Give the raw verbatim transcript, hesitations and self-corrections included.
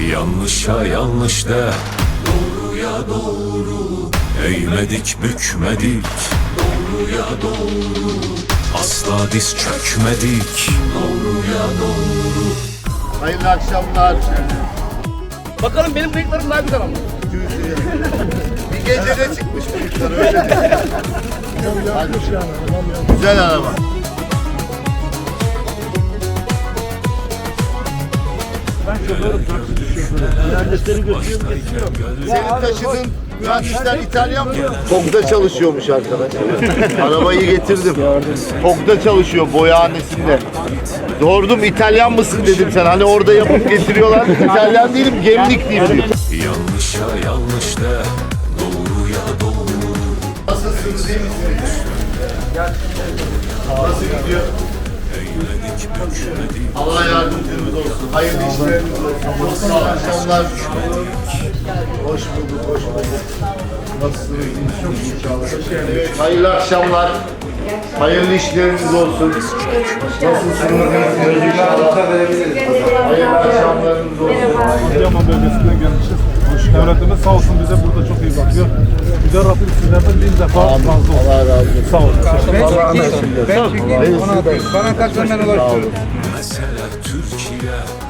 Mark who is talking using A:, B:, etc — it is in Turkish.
A: Yanlışa yanlış de, doğruya doğru. Eğmedik bükmedik, doğruya doğru. Asla diz çökmedik, doğruya doğru.
B: Hayırlı akşamlar.
C: Bakalım benim bıyıklarım daha güzel ama.
B: Bir gecede çıkmış bıyıklar öyle mi? Güzel araba.
D: Ben şoförüm, taksici şoförüm. Mühendisleri götürüyorum, getiriyorum.
B: Senin taşıdığın mühendisler İtalyan mı? Tog'da çalışıyormuş arkadaş. Arabayı getirdim. Tog'da çalışıyor, boyahanesinde. Sordum İtalyan mısın dedim sen. Hani orada yapıp getiriyorlar. İtalyan değilim, Gemlik diyeyim diyor.
A: Yanlışa yanlış de, doğruya doğru.
B: Nasılsınız, iyi misiniz? Nasıl gidiyor?
A: Eğmedik bükmedik,
B: Allah yardımcınız olsun. Hayırlı işleriniz olsun. Sağ akşamlar. Hoş bulduk, hoş bulduk. Nasılsınız? İnşallah. Evet, hayırlı akşamlar. Hayırlı işleriniz olsun. Nasılsınız? İnşallah. Hayırlı akşamlarınız olsun.
D: Adıyaman bölgesinden gelmişiz. Devletimiz sağ olsun bize burada çok iyi bakıyor. Güzel Rabbim sizlerden bin defa razı olsun.
B: Allah razı olsun.
D: Sağ olun.
E: Ben çekeyim, ona da. Bana kaç hemen ulaştırın.
A: mesele Türkiye.